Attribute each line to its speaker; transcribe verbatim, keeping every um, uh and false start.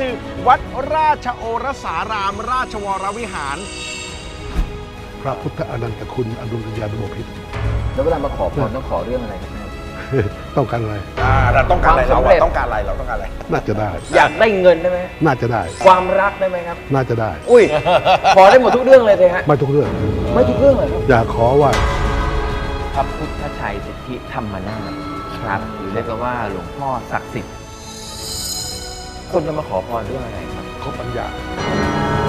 Speaker 1: คือ วัดราชโอรสารามราชวรวิหาร
Speaker 2: พระพุทธอนันตคุณอดุลยานบพิตร
Speaker 3: แล้วเวลามาขอพรต้องขอเรื่องอะไรครับแม่
Speaker 2: ต้องการอะไร
Speaker 1: อ่าเราต้องการอะไร
Speaker 3: ความ
Speaker 1: เรา
Speaker 3: สำเร็จ
Speaker 1: อะต้องการอะไรเราต้องการอะไร
Speaker 2: น่าจะได้
Speaker 3: อยากได้เงินได้ไหม
Speaker 2: น่าจะได้
Speaker 3: ความรักได้ไหมครับ
Speaker 2: น่าจะได้
Speaker 3: อุ้ย ขอได้หมดทุกเรื่องเลยสิฮะ
Speaker 2: ไม่ทุกเรื่อง
Speaker 3: ไม่ทุกเรื่องเลยครับ
Speaker 2: อยากขอว่า
Speaker 3: พระพุทธชัยสิทธิธรรมนาถครับหรือเรียกกันว่าหลวงพ่อศักดิ์สิทธิ์คนจะมาขอพรเรื่องอะไรครับ
Speaker 2: ขอปัญญา